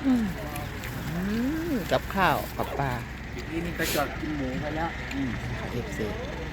กับข้าวกับปลาทีนี้ก็จอดกินหมูไปแล้วเอฟซี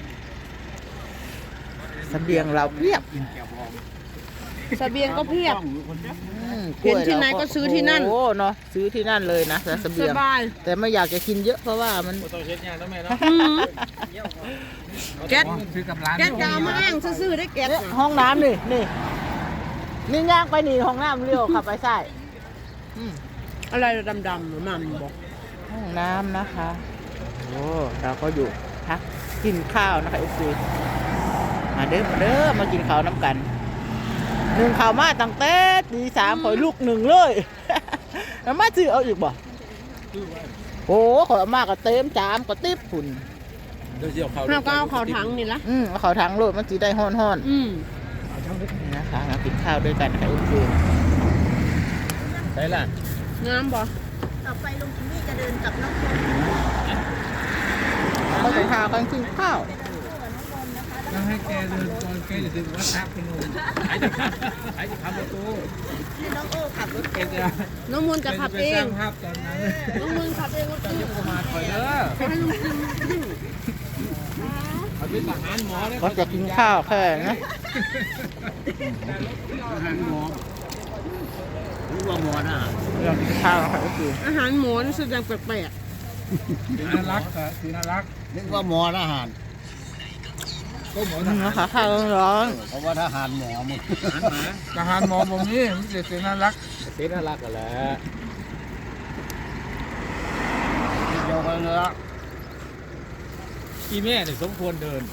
เสบียงเราเพียบกินแกวบองเสบียงก็เพียบกล้วยเห็นที่ไหนก็ซื้อที่นั่นโอ้เนาะซื้อที่นั่นเลยนะเสสบียงบายแต่ไม่อยากจะกินเยอะเพราะว่ามันตัวเช็ดยาแล้วแม่เนาะแก๊สซื้อกับร้านแก๊สจะเอามาอ้างซื้อๆได้แก๊สเนี่ยห้องน้ำนี่นี่ย่างไปนี่ห้องน้ำเลี้ยวขับไปใช่อะไรดำๆมันบอกห้องน้ำนะคะโอ้เราก็อยู่พักกินข้าวนะคะเอฟซีมาเด้อมากินข้าวน้ำกันหนึ่งข้าวมาตั้งแต่ตีสามขอยลูกหนึ่งเลย แล้วมาซื้อเอาอีกบ่โอ้ขอยเอามากก็เต็มจามก็ติ๊บฝุ่นเราก็เอาเขาถังนี่ละเอาข้าวถังโลดมันจีได้ห้อนนะคะมากินข้าวด้วยกันนะคะเอฟซีได้ละงามบ่ต่อไปลุงจิมมี่จะเดินกับน้องคนเขาจะพากันกินข้าวต้องให้แกเดินก่อนแกจะดึงวัดทักไปนู่นไอ้จะขับประตูให้น้องโอ้ขับรถแกจะน้องมนต์จะขับเองสร้างภาพตอนนั้นน้องมนต์ขับเองก็คือประมาทคอยเด้อให้ลุงจิมเขาเป็นทหารหมอเนี่ยเขาจะกินข้าวแค่นะทหารหมอรู้ว่าหมอน่ะเรากินข้าวนะคะก็คืออาหารหมูนี่แสดงแปลกน่ารักอะคือน่ารักนึกว่าหมอทหารก็หมอทหารนะคะข้าวร้อนเพราะว่าทหารหมอหมดทหารหมอผมนี่มันเสียน่ารักเสียน่ารักกันแหละเดียวกันเลยพี่แม่เนี่ยสมควรเดิน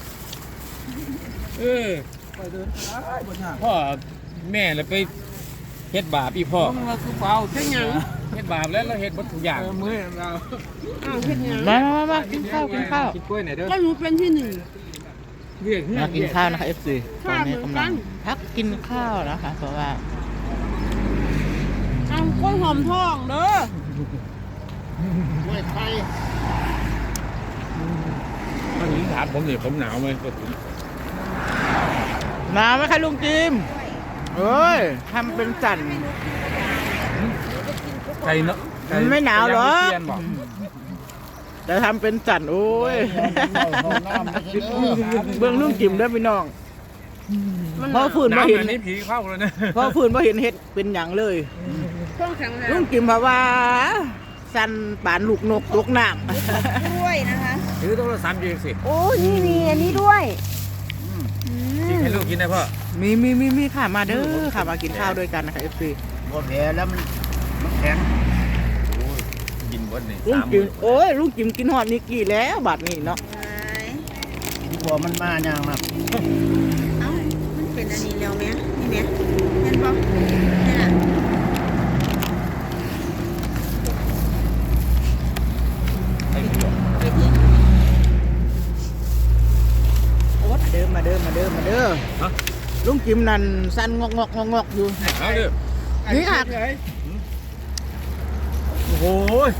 ไปเดินพ่อแม่เลยไปเฮ็ดบาปอีพ่อมันคือเฝ้าเฮ็ดหยังเฮ็ดบาปแล้วเราเฮ็ดหมดทุกอย่างมือเราๆอ้าวเฮ็ดหยังมากินข้าวกินข้าวกินกล้วยหน่อยเด้อก็รู้เป็นที่หนึ่งเรียกมากินข้าวนะคะ FC ตอนนี้ข้าวเหมือนกำกัลังนพักกินข้าวนะคะเพราะว่าเอากล้วยหอมทองเด้อกล้วยไข่ถ้าหญิงถามผมเนี่ยผมหนาวไหมก็ถึงมาไหมคะลุงจิมเอ้ยทำเป็นจันไก่เนาะมันไม่หนาวหรอกเทียนบอกจะทำเป็นจันโอ้ยเบื้องลุงจิมเด้อพี่น้องมันเพราะฝืนมาน้ำเห็นอันนี้ผีเข้าเลยนะเพราะฝืนมาเห็นเห็ดเป็นอย่างเลยเครื่องแข็งแรลุงงจิมเพราะว่าสันปานลูกนกตกน้กล้วยนะคะถือโทรศัพท์ยิงสิโอ้นี่มีอันนี้ด้วยกินให้ลูกกินได้พ่อำมีค่ะมาเด้อค่ะมากินข้าวด้วยกันนะคะ FC หมดแผลแล้วมันแข็งโอ้ยกินหมดนี่ลุงจิมโอ้ยลุงจิมกินฮอดนี่กี่แล้วบัดนี้เนาะดีกว่ามันมาอย่างนะเอ้ามันเป็นอันนี้แล้วไหมนี่ไหมเห็นปะนี่แหละไปทิ้งโอ๊ตมาเด้อลุงจิมนั่นสั้นงอกอยู่เอาดินี่ค่ะโอ้โห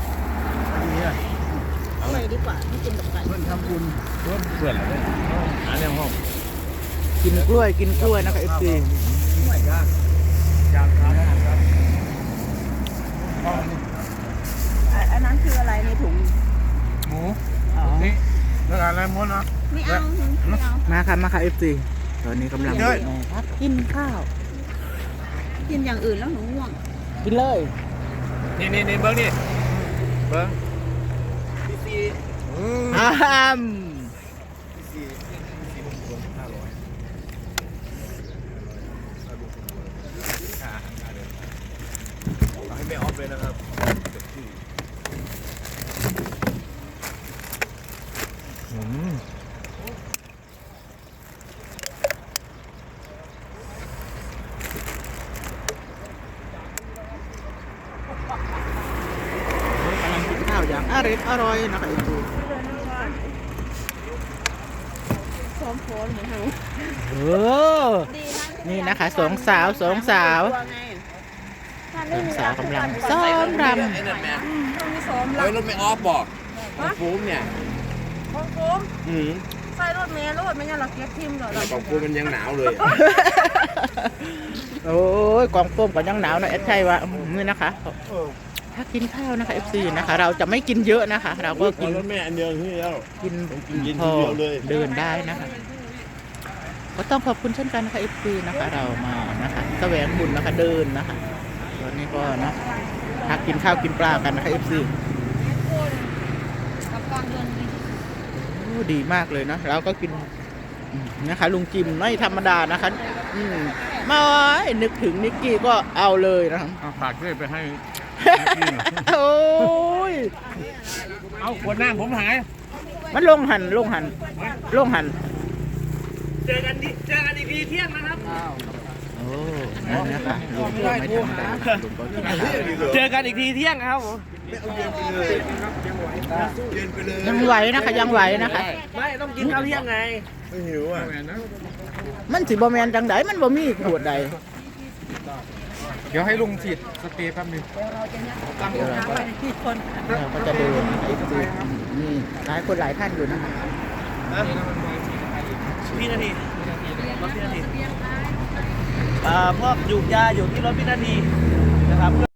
เอาไปดีกว่าไม่กินกับไก่เพื่อนทำบุญเพื่อนอะไรหาในห้องกินกล้วยนะคะ FC ไม่ยากยากครับอันนั้นคืออะไรในถุงหมูนี่แล้วอะไรม้วนนะไม่เอาไม่เอามาค่ะ FC ตอนนี้กำลังพักกินข้าวกินอย่างอื่นแล้วหนูง่วงกินเลยนี่เบิ้งนี่เบิ้งอ้ามให้ไม่ออฟเลยนะครับกำลังกินข้าวอย่างอร่อยนะคะ FC พร้อมโพสเหมือนเฮาเออนี่นะคะสองสาวกำลังซ้อมรำเฮ้ยรถไม่ออฟบอกฟูมเนี่ยของผมอืมใส่รถแม่รถไม่งั้นเราเก็บทิมเรากองปูมันยังหนาวเลยอะโอ้ยกองโฟมก็ยังหนาวนะเอสใช่ว่านี่นะคะ ถ้ากินข้าวนะคะ FC นะคะ เราจะไม่กินเยอะนะคะ เราก็กินรถแม่อันเดียวที่แล้วกินกินพอทีเดียวเลยเดินได้นะคะ ก็ต้องขอบคุณเช่นกันนะคะ FC นะคะ เรามานะคะแสวงบุญนะคะเดินนะคะตอนนี้ก็นะพักกินข้าวกินปลากันนะคะ FC โอ้ดีมากเลยนะเราก็กินนะคะ ลุงจิมไม่ธรรมดานะคะมานึกถึงนิกกี้ก็เอาเลยนะคะฝากด้วยไปให้โอ้ยเอาขวดน้ำผมหายมันลงหันลงหันเจอกันอีกทีเที่ยงนะครับโอ้นั่นนะคะลุงก็ไม่ธรรมดาลุงก็กินข้าวเจอกันอีกทีเที่ยงครับผมยังไหวนะคะยังไหวนะคะไม่ต้องกินข้าวเที่ยงไงไม่หิวอ่ะมันสิบ่แมนจังไดมันบ่มีขวดใดเดี๋ยวให้ลุงฉีดสเปรย์แป๊บนึงเดี๋ยวเราก็จะเดินไอ้คือนี่หลายคนหลายท่านอยู่นะคะพี่นาทีรถพี่นาทีพวกหยุกยาอยู่ที่รถพี่นาทีนะครับ